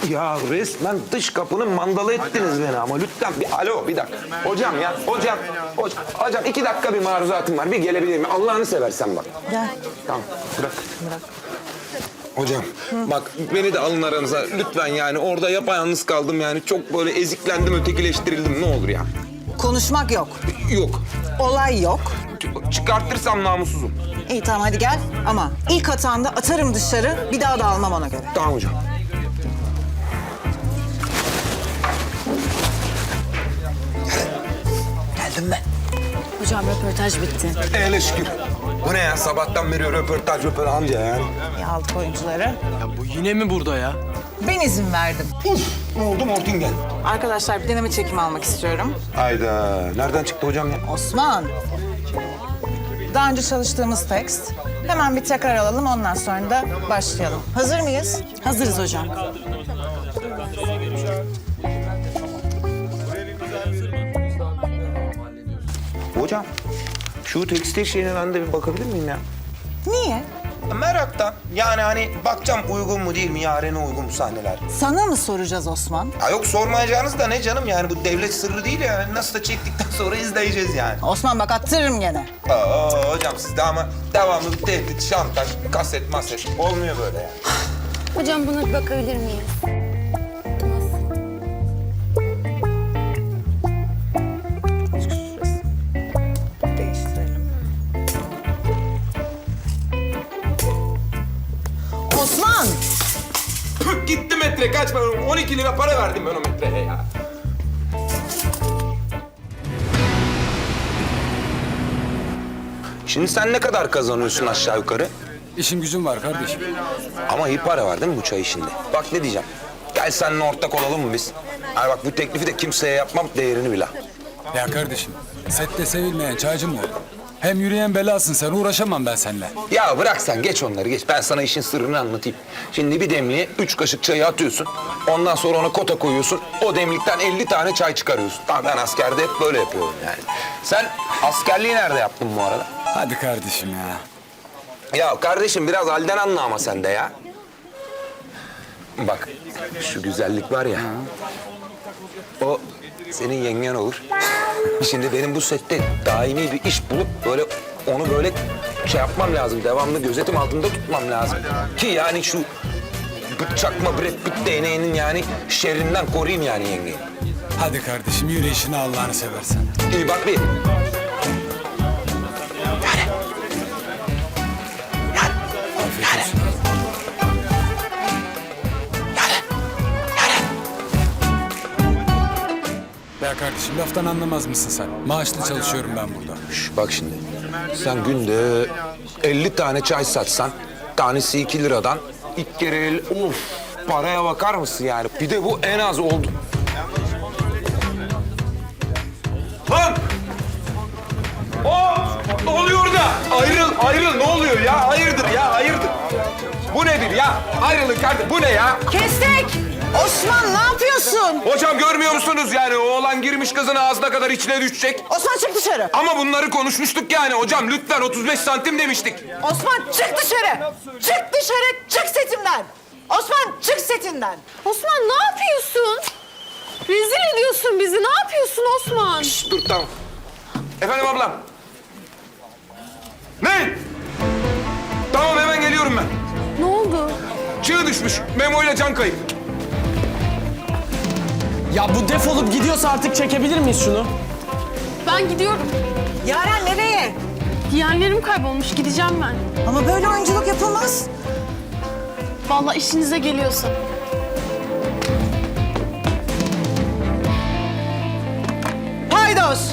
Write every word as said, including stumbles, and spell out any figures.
Ya resmen dış kapının mandalı ettiniz beni ama lütfen bir alo bir dakika. Hocam ya hocam hocam, hocam iki dakika bir maruzatım var bir gelebilir mi? Allah'ını seversen bak. Gel. Tamam bırak. Bırak. Hocam Hı. bak beni de alın aranıza lütfen yani orada yapayalnız kaldım yani çok böyle eziklendim ötekileştirildim ne olur ya. Konuşmak yok. Yok. Olay yok. Çıkartırsam namussuzum. İyi tamam hadi gel ama ilk hatanda atarım dışarı bir daha da almam ona göre. Tamam hocam. Geldim ben. Hocam röportaj bitti. Hele şükür. Bu ne ya sabahtan beri röportaj röportaj amca yani. İyi aldık oyuncuları. Ya bu yine mi burada ya? Ben izin verdim. Uf ne oldu Mortingen? Arkadaşlar bir deneme çekimi almak istiyorum. Hayda nereden çıktı hocam ya? Osman. Daha önce çalıştığımız tekst. Hemen bir tekrar alalım ondan sonra da başlayalım. Hazır mıyız? Hazırız hocam. Hocam şu tekstil şeyine ben de bir bakabilir miyim ya? Niye? Meraktan. Yani hani bakacağım uygun mu değil mi, yarene uygun mu sahneler? Sana mı soracağız Osman? Ha yok sormayacağınız da ne canım yani bu devlet sırrı değil yani. Nasıl da çektikten sonra izleyeceğiz yani. Osman bak attırırım gene. Aa hocam sizde ama devamlı bir tehdit, şantaj, kaset, maset olmuyor böyle yani. Hocam buna bir bakabilir miyiz? Değiştirelim. Osman! Püh, gitti metre kaç ben on iki lira para verdim ben o metreye ya. Şimdi sen ne kadar kazanıyorsun aşağı yukarı? İşim gücüm var kardeşim. Ama iyi para var değil mi bu çay işinde? Bak ne diyeceğim. Gel seninle ortak olalım mı biz? Hani bak bu teklifi de kimseye yapmam değerini bil ha. Ya kardeşim, sette sevilmeyen çaycı mı olur? Hem yürüyen belasın sen, uğraşamam ben seninle. Ya bırak sen geç onları geç. Ben sana işin sırrını anlatayım. Şimdi bir demliğe üç kaşık çayı atıyorsun. Ondan sonra ona kota koyuyorsun. O demlikten elli tane çay çıkarıyorsun. Tamam ben askerde hep böyle yapıyorum yani. Sen askerliği nerede yaptın bu arada? Hadi kardeşim ya. Ya kardeşim biraz halden anla ama sen de ya. Bak şu güzellik var ya. O senin yengen olur. Şimdi benim bu sette daimi bir iş bulup böyle onu böyle şey yapmam lazım. Devamlı gözetim altında tutmam lazım. Ki yani şu çakma Brad Pitt değneğinin yani şerrinden koruyayım yani yengeyi. Hadi kardeşim yürü işine Allah'ını seversen. İyi bak bir. Afiyet olsun. Ya kardeşim laftan anlamaz mısın sen? Maaşlı çalışıyorum ben burada. Şş, bak şimdi. Sen günde elli tane çay satsan, tanesi iki liradan ilk kere el, of paraya bakar mısın yani? Bir de bu en az oldu. Lan! Hop! Ne oluyor da? Ayrıl, ayrıl. Ne oluyor ya? Hayırdır ya, hayırdır. Bu nedir ya? Ayrılın kardeşim. Bu ne ya? Kestik! Osman ne yapıyorsun? Hocam görmüyor musunuz yani? O oğlan girmiş kızın ağzına kadar içine düşecek. Osman çık dışarı. Ama bunları konuşmuştuk yani hocam. Lütfen otuz beş santim demiştik. Osman çık dışarı. Çık dışarı, çık setimden. Osman çık setinden. Osman ne yapıyorsun? Rezil ediyorsun bizi. Ne yapıyorsun Osman? Şişt, dur tamam. Efendim ablam. Ne? Tamam hemen geliyorum ben. Ne oldu? Çığ düşmüş. Memo ile can kayıp. Ya bu defolup gidiyorsa artık çekebilir miyiz şunu? Ben gidiyorum. Yaren nereye? Yeğenlerim kaybolmuş. Gideceğim ben. Ama böyle oyunculuk yapılmaz. Vallahi işinize geliyorsa. Paydos.